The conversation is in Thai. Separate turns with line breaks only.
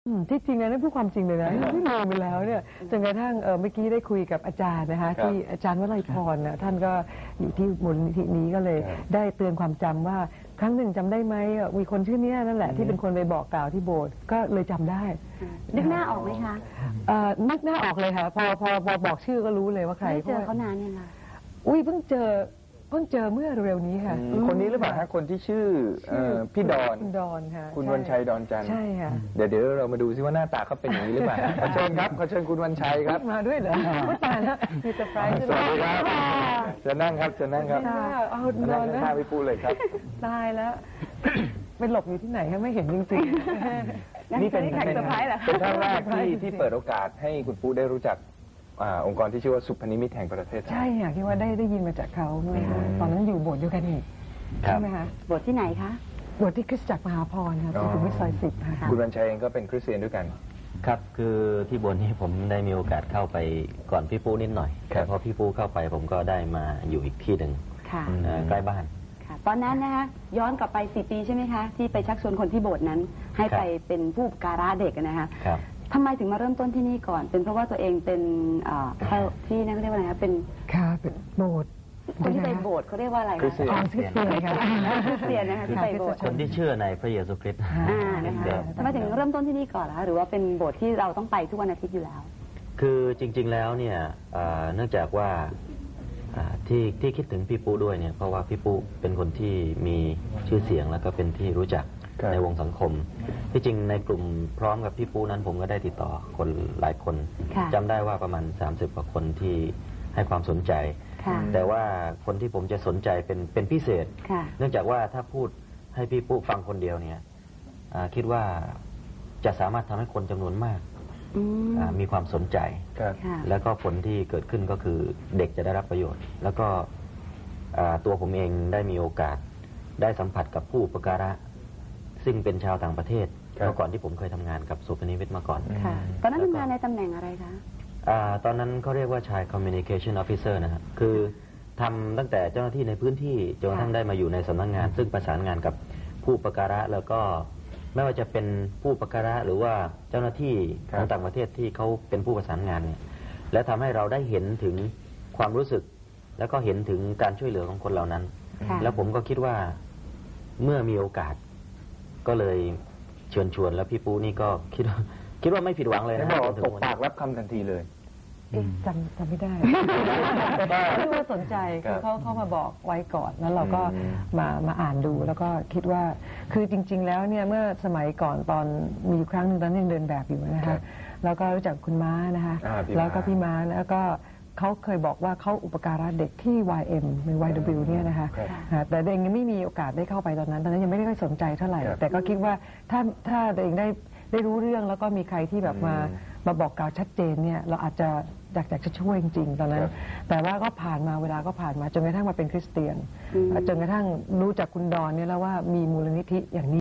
ที่จริงนะนั่นพูดความจริงเลยนะที่ลืมไปแล้วเนี่ยจนกระทั่งเมื่อกี้ได้คุยกับอาจารย์นะคะที่อาจารย์วลัยพรนะท่านก็อยู่ที่มูลนิธินี้ก็เลยได้เตือนความจำว่าครั้งหนึ่งจำได้ไหมมีคนชื่อนี้นั่นแหละที่เป็นคนไปบอกกล่าวที่โบสถ์ก็เลยจำได้
นึกหน้าออกไหมคะ
นึกหน้าออกเลยค่ะพอบอกชื่อก็รู้เลยว่าใคร
เจอเขานานยังไง
เพิ่งเจอเมื่อเร็วๆนี้ค่ะ
คนนี้หรือเปล่าฮะคนที่ชื่อพี่ดอน
ค่ะ
คุณวันชัยดอนจันทร์
ใช่ค่ะ
เดี๋ยวเรามาดูซิว่าหน้าตาเขาเป็นอย่างนี้หรือเปล่าขอเชิญครับขอเชิญคุณวันชัยครับ
มาด้วยเหรอไม่ตายแล้วมีเซอร์ไพรส์
สวัสดีครับจะนั่งครับจะนั่งครับ
เอานอน
นะพี่ปูเลยครับ
ตายแล้วไปหลบอยู่ที่ไหนคะไม่เห็นจริงๆ
นี่เป็นครั้งแรกที่เปิดโอกาสให้คุณปูได้รู้จักองค์กรที่ชื่อว่าสุพนิมิตแห่งประเทศไทย
ใช่ค่ะคิดว่าได้ยินมาจากเขาตอนนั้นอยู่โบสถ์เดียวกันอีกใช่ไหมคะ
โบสถ์ที่ไหนคะ
โบสถ์ที่คริสตจักรมหาพรค่ะสุขุมวิทซอย10ค่ะ
คุณวันชัยเองก็เป็นคริสเตียนด้วยกัน
ครับคือที่โบสถ์นี้ผมได้มีโอกาสเข้าไปก่อนพี่ปูนิดหน่อยแต่พอพี่ปูเข้าไปผมก็ได้มาอยู่อีกที่หนึ่งใกล้บ้าน
ตอนนั้นนะคะย้อนกลับไป4 ปีใช่ไหมคะที่ไปชักชวนคนที่โบสถ์นั้นให้ไปเป็นผู้อุปการะเด็กนะคะทำไมถึงมาเริ่มต้นที่นี่ก่อนเป็นเพราะว่าตัวเองเป็นที่นั่นเขาเรียกว่าอะไรคะเป็น
โบสถ์
คนที่ไปโบสถ์เขาเรียกว่าอะไรคะ
คริสเตียนค่ะ
คริสเตียนนะคะที่ไปโบสถ์
คนที่เชื่อในพระเยซูคริสต์
นะคะทำไมถึงเริ่มต้นที่นี่ก่อนล่ะหรือว่าเป็นโบสถ์ที่เราต้องไปทุกวันอาทิตย์อยู่แล้ว
คือจริงๆแล้วเนี่ยเนื่องจากว่าที่คิดถึงพี่ปูด้วยเนี่ยเพราะว่าพี่ปูเป็นคนที่มีชื่อเสียงแล้วก็เป็นที่รู้จักในวงสังคมที่จริงในกลุ่มพร้อมกับพี่ปูนั้นผมก็ได้ติดต่อคนหลายคนจำได้ว่าประมาณ30 กว่าคนที่ให้ความสนใจแต่ว่าคนที่ผมจะสนใจเป็นพิเศษเนื่องจากว่าถ้าพูดให้พี่ปูฟังคนเดียวเนี่ยคิดว่าจะสามารถทำให้คนจำนวนมากมีความสนใจแล้วก็ผลที่เกิดขึ้นก็คือเด็กจะได้รับประโยชน์แล้วก็ตัวผมเองได้มีโอกาสได้สัมผัสกับผู้อุปการะซึ่งเป็นชาวต่างประเทศเมื่อก่อนที่ผมเคยทำงานกับสุพนิมิตมาก่อน
ตอนนั้นทำงานในตำแหน่งอะไรคะ
ตอนนั้นเขาเรียกว่าชาย Communication Officer นะครับคือทำตั้งแต่เจ้าหน้าที่ในพื้นที่จนกระทั่งได้มาอยู่ในสำนักงานซึ่งประสานงานกับผู้อุปการะแล้วก็ไม่ว่าจะเป็นผู้อุปการะหรือว่าเจ้าหน้าที่ของต่างประเทศที่เขาเป็นผู้ประสานงานเนี่ยและทำให้เราได้เห็นถึงความรู้สึกแล้วก็เห็นถึงการช่วยเหลือของคนเหล่านั้นแล้วผมก็คิดว่าเมื่อมีโอกาสก็เลยเชิญชวนแล้วพี่ปูนี่ก็คิดว่าไม่ผิดหวังเลยนะ
บอกตกปากรับคำทันทีเลย
จำไม่ได้ไม่รู้ว่าสนใจคือเขามาบอกไว้ก่อนแล้วเราก็มาอ่านดูแล้วก็คิดว่าคือจริงๆแล้วเนี่ยเมื่อสมัยก่อนตอนมีครั้งหนึ่งตอนยังเดินแบบอยู่นะคะแล้วก็รู้จักคุณม้านะคะแล้วก็พี่ม้าแล้วก็เขาเคยบอกว่าเขาอุปการะเด็กที่ YM หรือ YW เนี่ยนะคะแต่เด็กยังไม่มีโอกาสได้เข้าไปตอนนั้นยังไม่ได้ค่อยสนใจเท่าไหร่แต่ก็คิดว่าถ้าเด็กได้รู้เรื่องแล้วก็มีใครที่แบบมาบอกกล่าวชัดเจนเนี่ยเราอาจจะอยากจะช่วยจริงๆตอนนั้นแต่ว่าก็ผ่านมาเวลาก็ผ่านมาจนกระทั่งมาเป็นคริสเตียนจนกระทั่งรู้จักคุณดอนเนี่ยแล้วว่ามีมูลนิธิอย่างนี้